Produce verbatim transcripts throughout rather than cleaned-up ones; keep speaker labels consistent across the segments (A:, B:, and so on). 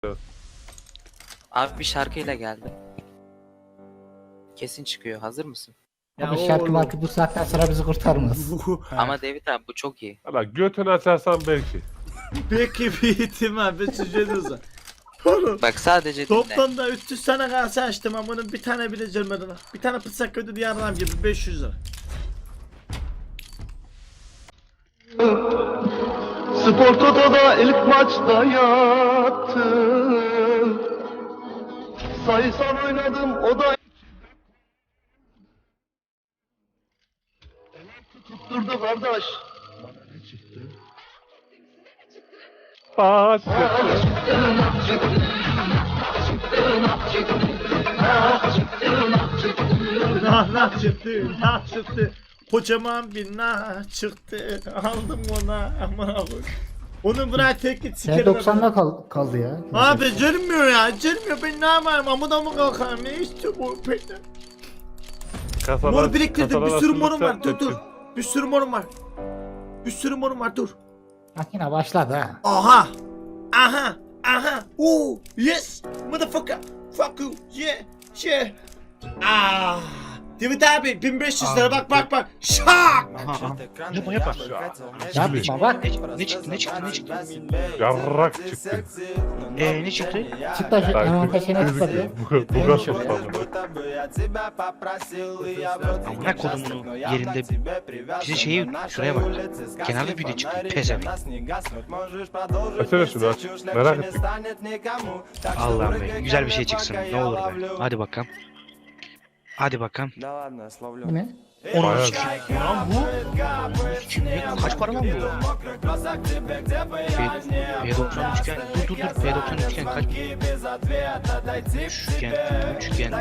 A: Abi bir şarkıyla geldim. Kesin çıkıyor. Hazır mısın?
B: Abi şarkı markı bu saatten sonra bizi kurtarmaz.
A: Ama David abi bu çok iyi.
C: Valla götünü açarsan belki.
D: Peki bir ihtimal bir süreciniz var.
A: Bak sadece dinle.
D: Toplamda da üç yüz tane kase açtım ama bunun bir tane bile gelmedi lan. Bir tane pıtsak ödedi yardım gibi beş yüz lira.
E: Spor Toto'da ilk maçta yattım. Sayısal oynadım o da tutturdu kardeş.
C: Aa,
D: Nah nah çıktı nah çıktı. Kocaman bir nah çıktı. Aldım ona aman abi. Onu bırak tek git
B: T
D: sikerim.
B: doksan'da kal kaldı ya.
D: Abi gelmiyor ya gelmiyor ben ne yapayım amına mı kalkarım ne işte bu peki.
C: kasalar,
D: Mor biriktirdim bir
C: kasalar
D: sürü morum var
C: açıldıkça
D: dur dur.
C: tepki.
D: Bir sürü morum var. Bir sürü morum var dur.
B: Makine başladı ha.
D: Aha. Aha. Aha. Oo. Yes. Motherfucker. Fuck you. Yeah. Yeah. Ah. David abi bin beş yüz lira bak bak bak. Şak.
F: Yapma yapma.
B: Yapma bak.
F: Ne çıktı ne çıktı ne çıktı?
C: Yarrak çıktı.
F: Eee ne çıktı?
B: Çık da şu hemen peşine tıkladı.
C: Bu bu gaz oldu.
F: Amına kodumunu yerinde bize şeyi şuraya bak. Kenarda video çıktı. Pezevenk.
C: Açsana şunu aç. Merak ettim.
F: Allah'ım be. Güzel bir şey çıksın. Ne olur be. Hadi bakalım. Hadi bakalım.
B: Bu ne?
F: Onun
C: Bayağı-
F: için. Lan bu. Kim ne? Kaç para lan bu? P doksan üçgen. Dur dur dur. P doksan üçgen kaç? Üçgen. Üçgen.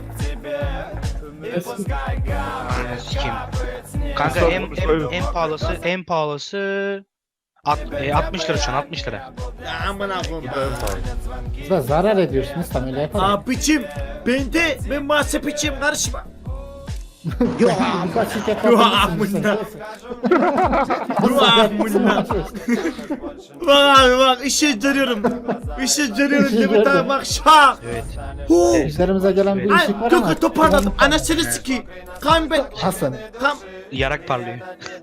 F: Ananı sikeyim. Kanka en, en, en pahalısı en pahalısı At, e, altmış lira şu an altmış lira.
D: Aman koyayım.
B: Siz de zarar ediyorsunuz tam öyle yapalım.
D: Abicim ben de ben mağazap içeyim karışma.
B: Yok birkaç şey
D: Yok
B: yapabilirsiniz.
D: amına. Yok amına. Bak abi bak işe dönüyorum. İşe dönüyorum
B: İşe
D: David abi
B: döndü.
D: bak şak.
F: Evet.
D: Hu.
B: İşlerimize gelen bir
D: Ay
B: ışık var ama.
D: topu toparladım. Anasını sikeyim. Kan ben.
B: Hasan
D: Kan.
F: Yarak parlıyor.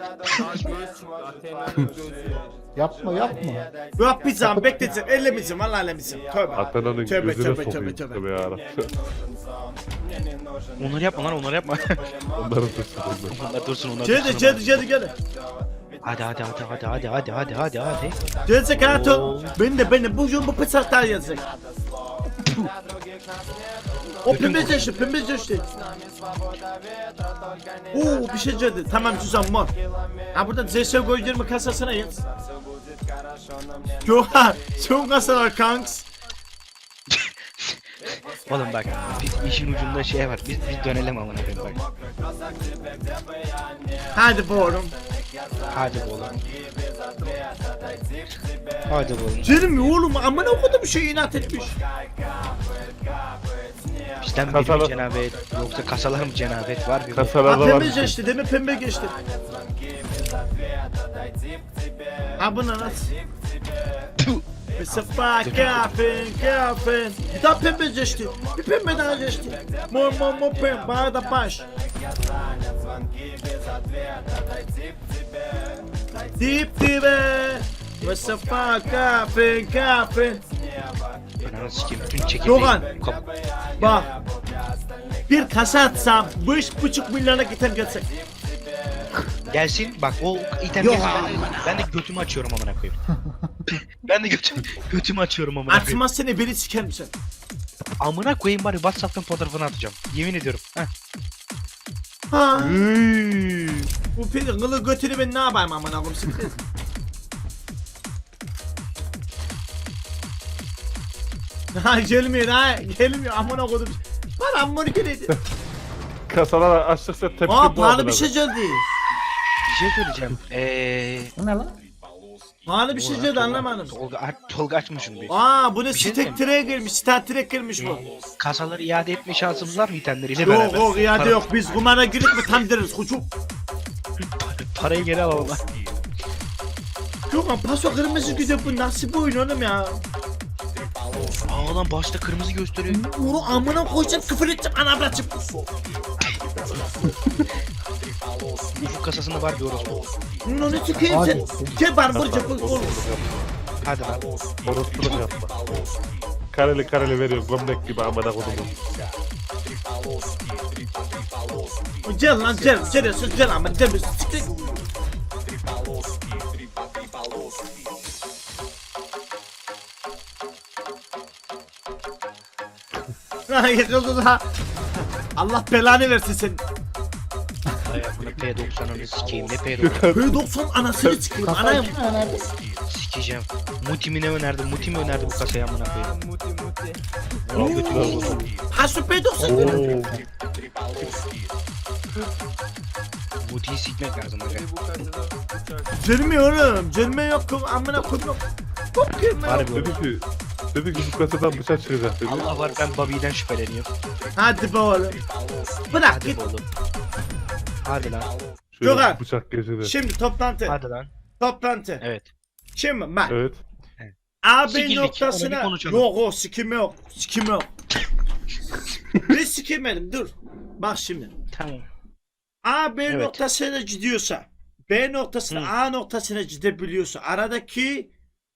B: yapma yapma.
D: Yok bir zaman bekleteceğim. Ellemeyeceğim valla ellemeyeceğim. Tövbe.
C: Atana'nın
D: Tövbe,
C: gözüne
D: tövbe,
C: sokayım.
D: tövbe, tövbe.
C: Tövbe yarabbim.
F: Onları yapma lan onları yapma.
C: Onların dursun onlar.
F: Onlar dursun onlar
D: Geldi
F: dursun.
D: geldi geldi geldi.
F: Hadi hadi hadi hadi hadi hadi hadi hadi hadi.
D: Gelecek hayatım. Ben de ben de bu yıl bu pısaklar yazacak. O pembe geçti pembe geçti. Oo bir şey geldi. Tamam güzel mor. Ha burada Z S G O yirmi kasasına yaz. Yok ha. Çok kasalar kanks.
F: Oğlum bak biz işin ucunda şey var. Biz biz dönelim amına koyayım bak.
D: Hadi bu oğlum.
F: Hadi oğlum. Hadi oğlum.
D: Canım oğlum amına okudum bir şey inat etmiş.
F: Bizden biri mi
C: Kasalar-
F: cenabet yoksa kasalar mı cenabet var bir bak.
D: Ha
C: Kasalarda var.
D: pembe geçti değil mi pembe geçti. Ha bu ne lan? Bir sefer kafin kafin. Bir daha pembe geçti. Bir pembe daha geçti. Mor mor mor pembe bana da baş. Dip dibe. Bir sefer kafin kafin.
F: Ananı sikeyim bütün çekirdeği.
D: Doğan.
F: Kap-
D: Bak. Bir kasa atsam beş buçuk milyona gitem gelsek.
F: Gelsin bak o item
D: Yok
F: gelsin ben de, ben de götümü açıyorum amına koyayım. Ben de götüm, götümü açıyorum amına koyayım.
D: Atmaz seni beni siker misin?
F: Amına koyayım bari WhatsApp'tan fotoğrafını atacağım. Yemin ediyorum. Heh.
D: Ha. Bu peri kılı götünü ben ne yapayım aman ağam siktir. Ha gelmiyor ha gelmiyor aman ağam. Bana aman geledi.
C: Kasalar açtıkça tepki
D: Aa
C: bu
D: pahalı
C: adına.
D: bir şey geldi.
F: Bir şey söyleyeceğim. Eee...
B: Bu ne lan?
D: Pahalı bir şey geldi anlamadım.
F: Tolga, aç- Tolga açmışım bir.
D: Aa bu ne
F: Bir şey
D: stack track'e girmiş stat track girmiş bu.
F: Kasaları iade etme şansımız var mı itemleriyle
D: Yok
F: beraber?
D: yok iade
F: Para-
D: yok biz kumara girip mi tam deriz kuçuk.
F: Parayı geri alalım lan.
D: Yok lan paso kırmızı güzel bu nasıl bir oyun oğlum ya.
F: Aa lan başta kırmızı gösteriyor.
D: Onu amına koyacağım küfür edeceğim ana bırakacağım.
F: Ufuk kasasında var bir orospu.
D: Onu tükeyim sen. Gel bana vuracak oğlum.
F: Hadi lan.
C: Orospuluk yapma. Kareli kareli veriyor gömlek gibi amına kodumu.
D: Gel lan gel. Gel sen gel ama gel. Siktir. Ha yıkıldı da. Allah belanı versin senin.
F: Ay amına P doksanını sikeyim ne P doksan.
D: Böyle doksan anasını çıkıyor. Anayım.
B: Kasayı önerdi.
F: Sikeceğim. Muti mi ne önerdi? Muti mi önerdi bu kasayı amına koyayım?
D: Ha şu P doksan.
C: Oo.
F: Muti'yi sikmek lazım aga.
D: Gelmiyorum. Gelme yok. Amına koydum. Hop gelme yok.
F: Harbi
C: Dedi ki, dedi ki bu kasadan bıçak çıkacak dedi.
F: Allah var ben Bobby'den şüpheleniyorum.
D: Hadi be oğlum. Bırak
F: Hadi
D: git.
F: oğlum. Hadi lan.
C: Şöyle
D: Gökhan.
C: bıçak geçirdi.
D: Şimdi toplantı.
F: Hadi lan.
D: Toplantı.
F: Evet.
D: Şimdi bak.
C: Evet.
D: A B
F: Sikildik,
D: noktasına
F: onu bir konuşalım.
D: yok o sikime yok. Sikime yok. Ben sikemedim dur. Bak şimdi.
F: Tamam.
D: A B
F: Evet.
D: noktasına gidiyorsa B noktasına
F: Hı.
D: A noktasına gidebiliyorsa aradaki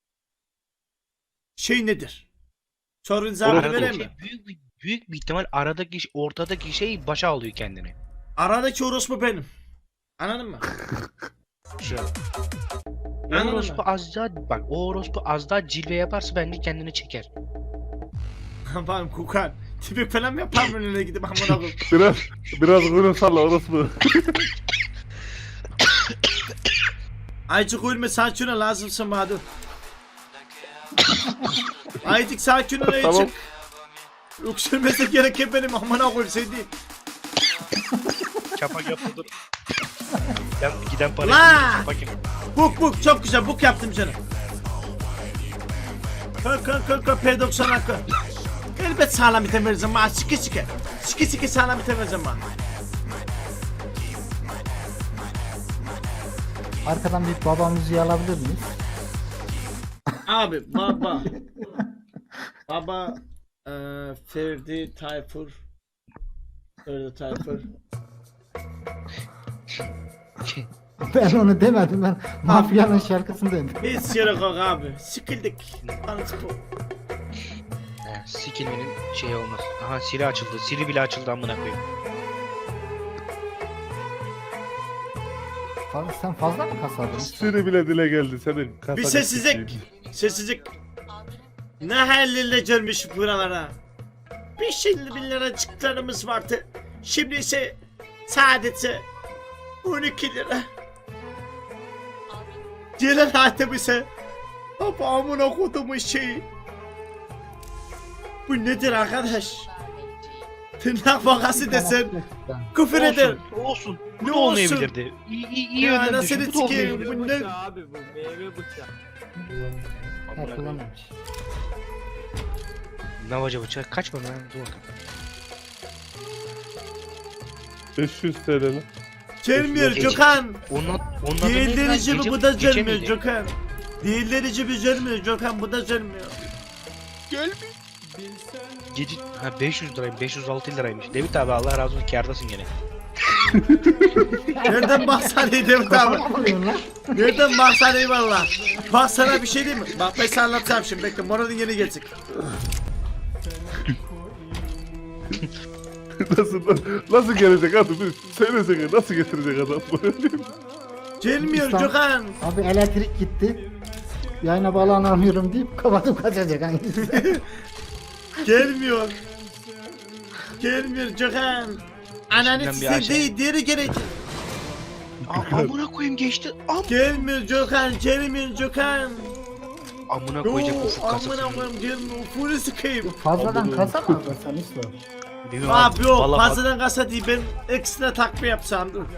D: şey nedir? Sorun cevabını
C: Orada
D: vereyim mi?
F: Aradaki büyük bir büyük bir ihtimal aradaki ortadaki şey başa alıyor kendini.
D: Aradaki orospu benim. Anladın mı?
F: Şu. O
D: Anladın
F: orospu
D: mı?
F: az daha bak o orospu az daha cilve yaparsa bence kendini çeker.
D: Aman Kukan. Tipik falan mı yapar mı önüne gidip amına koyayım?
C: Biraz biraz kuyruğunu salla orospu.
D: Aycık uyulma sakin ol lazımsın bana dur. Aycık sakin ol Aycık.
C: Tamam.
D: Öksürmesi gereken benim amına koyayım sen değil.
F: Çapak yapma dur. Giden, giden para
D: La!
F: çapak yap.
D: Buk buk çok güzel buk yaptım canım. Kalk kalk kalk kalk P doksan hakkı. Elbet sağlam item vereceğim bana sike sike. Sike sike sağlam item vereceğim bana.
B: Arkadan bir baba müziği alabilir miyiz?
D: Abi baba. Baba eee Ferdi Tayfur. Ferdi Tayfur.
B: Ben onu demedim, ben mafyanın şarkısını dedim.
D: Hiç yere kalk abi. Sikildik. Tanısı bu.
F: He, sikilmenin şeyi olmaz. Aha Siri açıldı. Siri bile açıldı amına koyayım.
B: Fazla, sen fazla mı kasadın?
C: Siri bile dile geldi senin kasa
D: Bir sessizlik. Sessizlik. Ne hallerle gelmiş buralara. Bir şimdi bin liracıklarımız vardı. Şimdi ise sadece on iki lira. Gelen hatem ise baba amına kodumun şeyi. Bu nedir arkadaş? Tırnak vakası desen küfür eder.
F: Olsun. Olsun. Bu
D: Ne
F: da
D: olsun?
F: olmayabilirdi. İyi iyi iyi
D: Ya
F: yönden
D: nasıl
F: düşün. Bu da
D: sikeyim
F: olmayabilirdi.
D: bu ne?
G: Abi bu meyve bıçağı.
F: Amına koyayım.
B: Yapılamamış.
F: Navaca bıçak kaç para lan? Dur bakalım.
C: beş yüz T L'nin.
D: Gelmiyor
F: Gece-
D: Gökhan.
F: Onun onun adı neydi
D: Diğerleri
F: lan?
D: gibi
F: Gece-
D: bu da
F: gece
D: gelmiyor
F: miydi?
D: Gökhan. Diğerleri gibi gelmiyor Gökhan bu da gelmiyor.
F: Gece ha beş yüz liraymış. beş yüz altı liraymış. David abi Allah razı olsun kârdasın gene.
D: Nereden bahsediyor Devlet abi?
B: Ne yapıyorsun lan?
D: Nereden bahsediyor valla? Bak sana bir şey diyeyim mi? Bak ben sana anlatacağım şimdi bekle moralin yeni gelecek.
C: nasıl nasıl gelecek adam? Bir söylesene nasıl getirecek adam?
D: Gelmiyor
B: İstanbul-
D: Gökhan.
B: Abi elektrik gitti. Yayına bağlanamıyorum deyip kapatıp kaçacak hangisi?
D: Gelmiyor. Gelmiyor Gökhan. Ananı
F: İçinden bir
D: size
F: aşağı-
D: değil diğeri gelecek.
F: Aa, amına koyayım geçti. Am
D: Gelmiyor Gökhan gelmiyor Gökhan.
F: amına koyacak
D: Yoo,
F: ufuk
D: amına
F: kasasını.
D: koyayım gelmiyor. Ufunu sıkayım.
B: Fazladan kasa mı aldın sen Üstad?
F: Bilmiyorum
D: Abi yok
F: Vallahi bak-
D: fazladan kasa değil ben ekstra takma yapsam dur.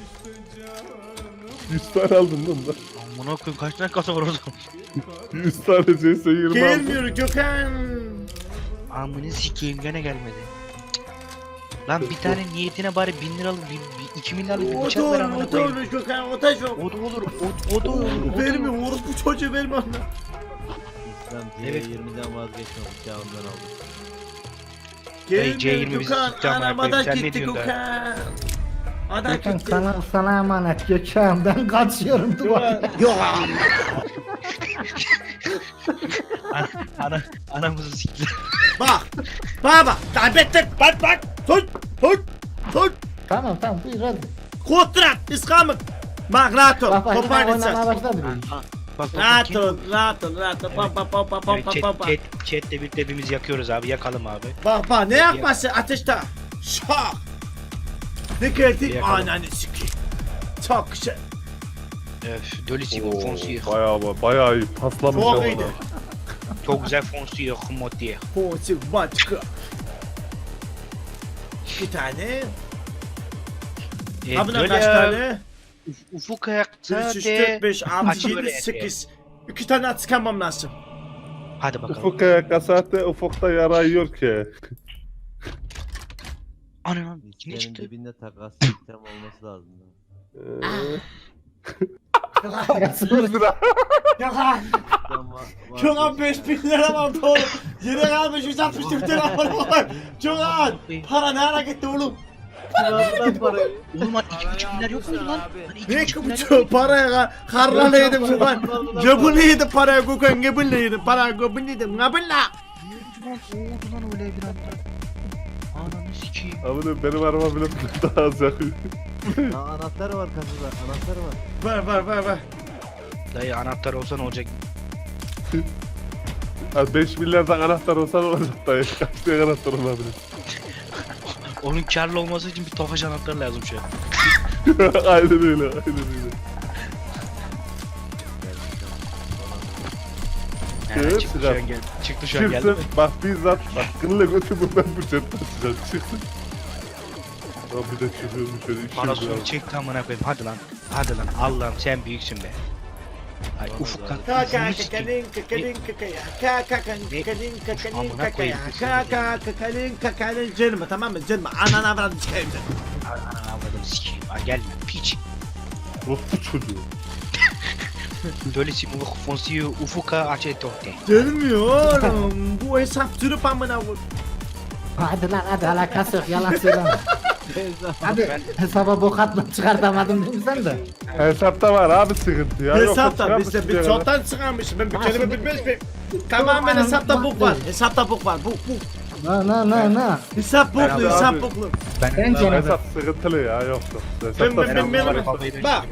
C: yüz tane aldın lan da.
F: Amına koyayım kaç tane kasa var orada?
C: yüz tane C S yirmi aldın.
D: Gelmiyor Gökhan.
F: Amını sikeyim gene gelmedi. Lan bir tane niyetine bari bin liralık, bir, bir, iki milyarlık bir
D: O
F: bıçak
D: da
F: ver
D: olur,
F: amına
D: o da
F: koyayım.
D: olur Gökhan, o da çok.
F: O da olur, o, o da olur. o da
D: Vermiyor,
F: olur.
D: orospu çocuğu verme ona.
F: Lan
G: C
F: Evet.
G: yirmiden vazgeçmedik ya ondan aldım.
F: Hey, C yirmi
D: Gelme
F: bizi
D: Gökhan,
F: tutacağım
D: anam
F: Erkoğlu.
D: ada
F: Sen ne
D: gitti
F: diyorsun da?
D: Gökhan. Ada
B: Gökhan
D: gitti.
B: sana, sana emanet Gökhan. Ben kaçıyorum duvar.
D: Gökhan.
F: Ana, ana, anamızı siktiler.
D: Bak. Bak bak. Kaybettik. Bak bak. Tut. Tut. Tut.
B: Tamam tamam buyur hadi.
D: Kontrat. İskamık. Bak rahat ol.
B: Bak bak yine
D: Kopar
B: oynamaya
D: gitsen.
B: başladı bir.
F: Bak bak.
D: Rahat
F: kim-
D: ol. Rahat ol. Rahat ol. Pam pam pam pam pam
F: Evet,
D: pam
F: chat,
D: pam pam.
F: chat, chatle birlikte hepimiz yakıyoruz abi. Yakalım abi.
D: Bak bak ne yapması ateşte. Şak. Ne geldi?
F: Yakalım.
D: Ananı sikeyim. Çok güzel.
F: Öf, Dölüsü
C: Oo,
F: fonsuyor.
C: bayağı bayağı iyi paslamış
D: Çok
C: ama.
D: iyiydi.
F: Çok güzel fonsuyor. Hımot diye.
D: Pozitif başka. İki tane.
F: E,
D: Abına
F: böyle
D: kaç tane?
F: Ufuk ayakta
D: üç, üç,
F: de.
D: dört, beş, altı,
F: Aç
D: yedi,
F: böyle
D: sekiz. İki tane at sıkamam lazım.
F: Hadi bakalım.
C: Ufuk kasate ufukta yara yiyor ki.
F: Ana ne
G: Senin
F: çıktı?
G: dibinde takas sistem olması lazım.
C: Ee,
B: Parası
C: yüz lira.
D: Gökhan.
G: Sistem var.
D: Gökhan beş bin lira var oğlum. Yine kalmış yüz altmış dört lira var. Gökhan. Para ne ara gitti oğlum?
G: Kirazdan parayı.
F: Oğlum hani iki buçuk milyar yok mu lan? Hani iki
D: Ne
F: buçuk milyar yok
D: bu paraya ka- karlarla yedim Gökhan. Göbünle yedim paraya Gökhan. Göbünle yedim paraya göbünle yedim. Göbünle.
F: mu? Oldu lan öyle bir anda. Ananı sikeyim.
C: Abi benim araba bile daha az yakıyor.
G: Aa, anahtar var kasada. Anahtar var.
D: Var var var var.
F: Dayı anahtar olsa ne olacak?
C: Az beş milyardan anahtar olsa ne olacak dayı? Kaç tane anahtar olabilir?
F: Onun karlı olması için bir tofaş anahtar lazım şu an.
C: Aynen öyle, aynen öyle.
F: He,
C: Evet,
F: çıktı şu
C: sıcak.
F: an geldi. Çıktı şu an geldi.
C: Çıksın, bak bizzat, bak kınla götü bundan bir jet taşıyacağım, çıksın. Ya bir de çıkıyorum şöyle iki yüz
F: Parasını
C: lira.
F: çekti amına koyayım. Hadi lan. Hadi lan. Allah'ım sen büyüksün be. Ay ufuk kan.
D: Kaka
F: ufunu sikeyim.
D: kakalin kakalin kakaya. Kaka kakalin kakalin
F: Amına
D: kakaya.
F: koyayım.
D: Kaka kakalin kakalin canım tamam mı canım anana avradım çıkayım.
F: Ananı avradım sikeyim. Ay gelme piç.
C: Rospu çocuğu.
F: Dölesi ufuk fonsiyo ufuka açetote.
D: Gelmiyorum. Bu hesap durup amına vur.
B: Hadi lan hadi alakası yok yalan söyleme. Hadi hesaba bok atma çıkartamadım değil mi sen de?
C: Hesapta var abi sıkıntı ya. Yoksa
D: Hesapta
C: çıkarmış
D: bizde bir
C: bir yere.
D: çoktan çıkarmışım ben bir
B: Ha,
D: kelime
B: şimdi-
D: bilmez miyim? Tamamen
B: Yok,
D: hesapta
B: anam,
D: bok var.
B: bak.
D: Hesapta bok var. Bok bok.
B: Na na na na.
D: Hesap boklu
C: Abi,
D: hesap
C: abi.
D: boklu.
B: Bence ne?
C: Hesap sıkıntılı ya yoksa.
D: Ben-
C: Hesapta
D: ben- ben-
C: sıkıntı var.
D: ben- Bak.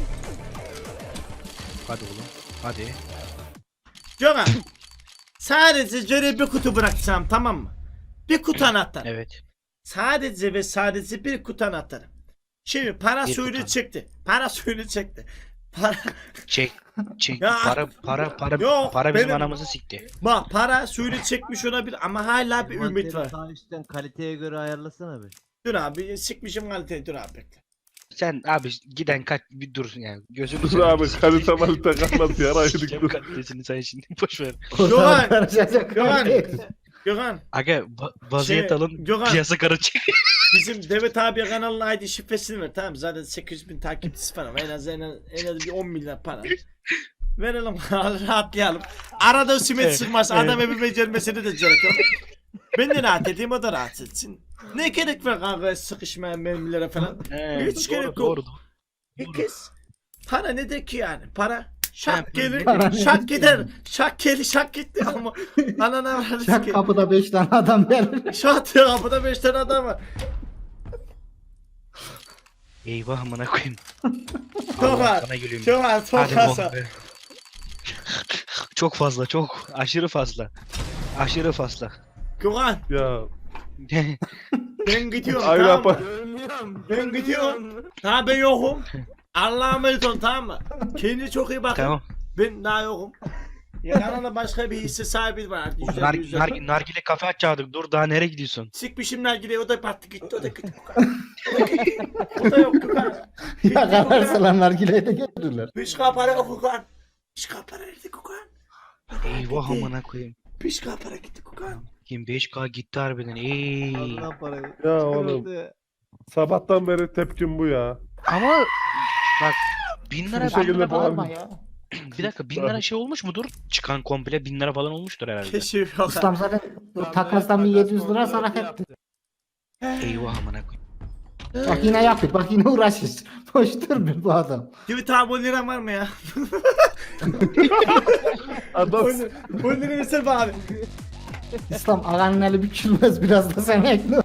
F: Hadi oğlum. Hadi.
D: Gökhan. Sadece şöyle bir kutu bırakacağım tamam mı? Bir kutu anahtar.
F: Evet.
D: Sadece ve sadece bir kutu anahtarı. Şimdi para
F: Bir
D: suyunu
F: kutu.
D: çekti. Para suyunu çekti. Para
F: Çek. Çek.
D: Ya.
F: Para para para
D: Yok,
F: para bizim
D: benim-
F: anamızı sikti.
D: bak para suyunu çekmiş olabilir ama hala bir ümit
G: Envanteri
D: var.
G: Sağ üstten kaliteye göre ayarlasana bir.
D: Dur abi sikmişim kaliteyi dur abi bekle.
F: Sen abi giden kaç bir dur yani gözünü
C: Dur
F: seveyim.
C: abi kalite malite kalmaz yara yedik
F: Sikeceğim
C: dur.
F: kalitesini sen şimdi boş ver.
D: Gökhan,
B: Karışacak.
D: Gökhan. Gökhan
F: Aga ba- vaziyet
D: Şey,
F: alın
D: Gökhan.
F: piyasa karışacak.
D: bizim Demet abi kanalına I D şifresini ver tamam mı? Zaten sekiz yüz bin takipçisi falan var. En az en az, en az bir on milyar para. Verelim rahatlayalım. Arada simet
F: Evet,
D: çıkmaz
F: evet.
D: adam evime gelmesini de gerek yok. Ben de rahat edeyim o da rahat etsin. Ne gerek var kanka sıkışmaya mermilere falan.
F: He,
D: Hiç
F: doğru,
D: gerek yok.
F: doğru, doğru.
D: İkiz. Para nedir ki yani? Para şak
F: He,
D: gelir,
B: para
D: şak
B: nedir?
D: gider. Şak gelir, şak gitti ama anana varız
B: Çak
D: ki.
B: kapıda beş tane adam gelir.
D: Şu an kapıda beş tane adam var.
F: Eyvah amına koyayım.
D: Çok
F: Allah
D: var.
F: sana gülüyorum.
D: Çok az, çok
F: Hadi
D: az.
F: oğlum be. Çok fazla çok aşırı fazla. Aşırı fazla.
D: Gökhan
C: Ya
D: ben gidiyorum
C: Aynen
D: tamam mı?
C: bak.
D: Ben gidiyorum. Daha ben yokum. Allah'a emanet ol tamam mı? Kendine çok iyi bakın.
F: Tamam.
D: Ben daha yokum. Yanına başka bir hisse sahibi var. artık, yüzde
F: Nar,
D: yüz
F: nar,
D: yapın.
F: nargile kafe açacaktık. Dur daha nereye gidiyorsun?
D: Sikmişim nargileyi o da battı gitti o da gitti. O da gitti. O da yok Gökhan.
B: Ya kararsalar nargileyi de getirirler.
D: Pişka para yok Gökhan. Pişka para nerede Gökhan?
F: Eyvah amına koyayım.
D: Pişka para gitti Gökhan.
F: yirmi beş K gitti harbiden. Ey.
G: Al lan parayı.
C: Ya oğlum
G: Sıkıldı.
C: sabahtan beri tepkim bu ya.
F: Ama bak bin lira
C: Bir şekilde
B: Bağırma
C: bağırma.
B: ya.
F: Bir dakika bin lira şey olmuş mudur? Çıkan komple bin lira falan olmuştur herhalde.
D: Keşif yok.
B: Ustam zaten o takasdan bir yedi yüz lira sana etti.
F: Eyvah amına koyayım.
B: Bak yine yapıyor. Bak yine uğraşır. Boş durmuyor bu adam.
D: Divit abi on lira var mı ya?
C: Adam
D: on lira versene be abi.
B: İslam ağanın eli bükülmez biraz da sen ekle.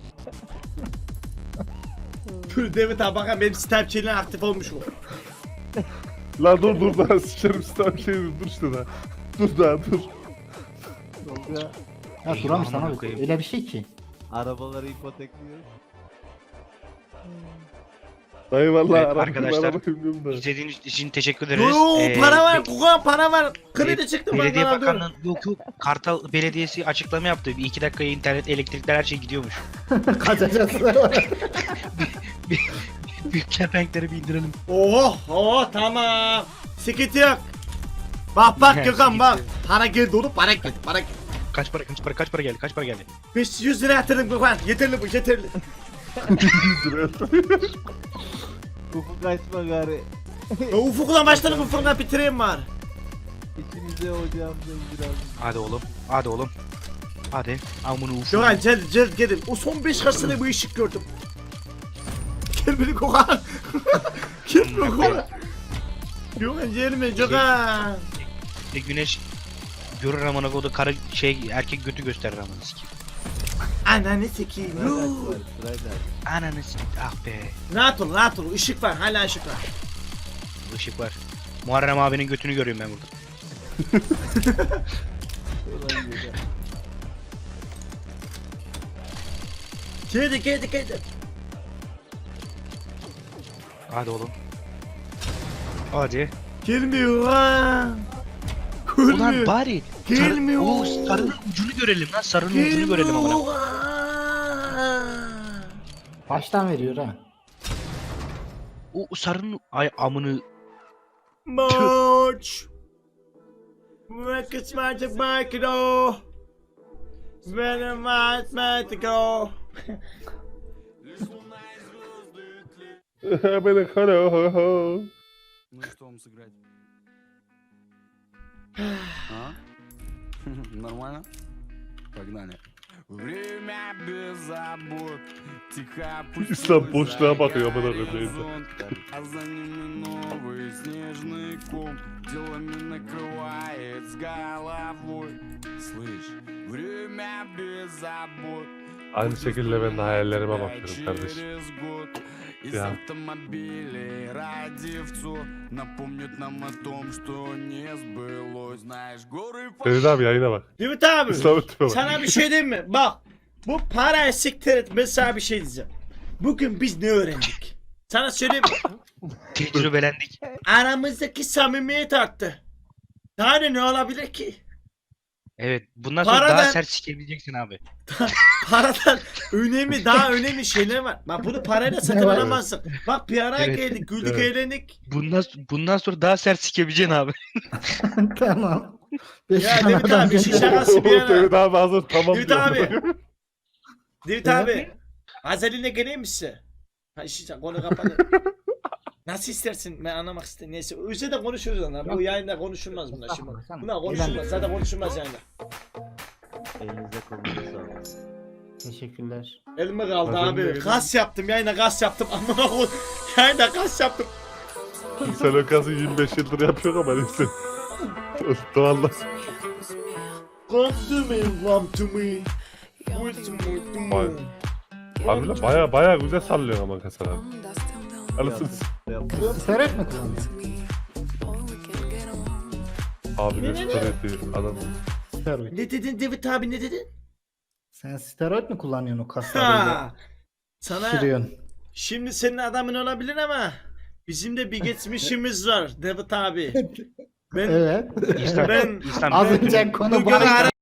D: Dur Divit abi bakın benim Snapchat'in aktif olmuş mu?
C: lan dur dur daha sıçarım sistem şey dur işte daha. Dur daha dur.
G: Tolga
B: Ya
F: Eyvah,
B: duramış
F: amına
B: sana
F: koyayım.
B: öyle bir şey ki.
G: arabaları ipotekliyor.
C: Dayı valla
F: Evet,
C: araba
F: arkadaşlar,
C: araba bilmiyorum da.
F: İzlediğiniz için teşekkür ederiz.
D: Yoo
F: Ee,
D: para var,
F: be-
D: kukan para var. Kredi çıktı
F: Belediye
D: bankadan alıyorum.
F: Bakanlığı yok yok Kartal Belediyesi açıklama yaptı. Bir iki dakikaya internet, elektrikler her şey gidiyormuş.
B: Kaçacağız.
F: Büyük kepenkleri bir indirelim.
D: Oh, oh tamam. Sıkıntı yok. Bak bak
F: Yani
D: Gökhan bak.
F: sıkıntı
D: Para geldi oğlum para geldi para geldi.
F: Kaç para kaç para kaç para geldi kaç para geldi?
D: beş yüz lira yatırdım Gökhan. Yeterli bu yeterli.
G: Ufuk açma gari.
D: Ya Ufuk'la başladık Ufuk'la bitireyim var.
G: İçinize ocağımızın biraz.
F: Hadi oğlum hadi oğlum. Hadi amını ufuk.
D: Gökhan gel gel gelin. O son beş karşısında bu ışık gördüm. Gel beni Gökhan. Gel beni Gökhan. Gökhan gelme Gökhan.
F: E, güneş görür amına koydu karı şey erkek götü gösterir amına sikeyim.
D: Ananı sikeyim.
G: Sırayla
D: Yuh.
G: aç, sırayla aç.
F: Ananı sikeyim ah be.
D: Rahat ol rahat ol. Işık var hala ışık var.
F: Işık var. Muharrem abinin götünü görüyorum ben burada.
G: Ulan yedi.
D: Geldi geldi geldi.
F: Hadi oğlum. Hadi.
D: Gelmiyor ha. Gelmiyor.
F: Ulan bari sarı,
D: Gelmiyor.
F: o sarının ucunu görelim lan sarının ucunu görelim amına.
D: Gelmiyor.
B: Baştan veriyor ha.
F: O o sarının ay amını
D: March. Records magic market oh. Very much magic oh.
C: Beni kara ho ho.
H: Ну и что вам сыграть? А? Нормально? Погнали. Время без забот. Тихо
C: İslam boşluğa bakıyor amına koyayım.
H: а за ними новый снежный ком. Делами накрывает с головой. Слышь, время без забот.
C: Aynı şekilde ben de hayallerime bakıyorum kardeşim.
H: Через год из
C: Ya.
H: автомобилей радивцу напомнят нам о том, что не сбылось. Знаешь, горы
C: Deniz abi yayına bak.
D: Ümit abi.
C: İslam'ın tipe bak.
D: Sana bir şey diyeyim mi? Bak. Bu parayı siktir et. Ben sana bir şey diyeceğim. Bugün biz ne öğrendik? Sana söyleyeyim mi?
F: tecrübelendik.
D: Aramızdaki samimiyet arttı. Daha ne, ne olabilir ki?
F: Evet bundan sonra
D: Paradan-
F: daha sert sikebileceksin abi.
D: Paradan önemli, daha önemli şeyler var. Bak bunu parayla satın
B: Ne var?
D: alamazsın. Bak bir ara
F: Evet.
D: geldik, güldük,
C: Evet.
D: eğlendik.
F: Bundan bundan sonra daha sert sikebileceksin abi.
B: Tamam. Beş
D: Ya
B: tane
D: David
B: adam
D: abi,
B: geldi.
D: şişe şakası bir yana.
C: Deniz abi hazır tamam
D: David
C: diyor.
D: abi. David
B: Evet.
D: abi. Azaline geleyim mi size? Ha işte konu kapalı. Nasıl istersin? Ben anlamak istedim. Neyse. Öyle de konuşuruz onlar. Bu
B: Yok.
D: yayında konuşulmaz bunlar şimdi.
B: Estağfurullah, sen-
D: Bunlar konuşulmaz. Zaten konuşulmaz yani.
G: Elinize kolunuza sağlık.
B: Teşekkürler.
D: Elime kaldı
C: Azaline
D: abi.
C: geleyim.
D: Kas yaptım. Yayında kas yaptım. Amına koy. Yayında kas yaptım.
C: Sen o kazı yirmi beş yıldır yapıyor ama neyse. Valla.
D: Come to me, come to me. Come to me, to me.
C: Vay. Harbiden baya baya güzel sallıyor ama kasalar. Anasını s-
G: Yapma.
B: Steroid mi kullanıyorsun?
C: Abi
D: Ne,
C: ne
D: ne, ne?
C: steroidi adam.
B: Steroid.
D: Ne dedin David abi ne dedin?
B: Sen steroid mi kullanıyorsun o kaslarıyla?
D: Ha. Sana
B: Şişiriyorsun.
D: şimdi senin adamın olabilir ama bizim de bir geçmişimiz var David abi. Ben
B: Evet.
F: İslam,
D: ben
F: İslam
B: Az önce konu
D: bugün
B: bahis.
D: ara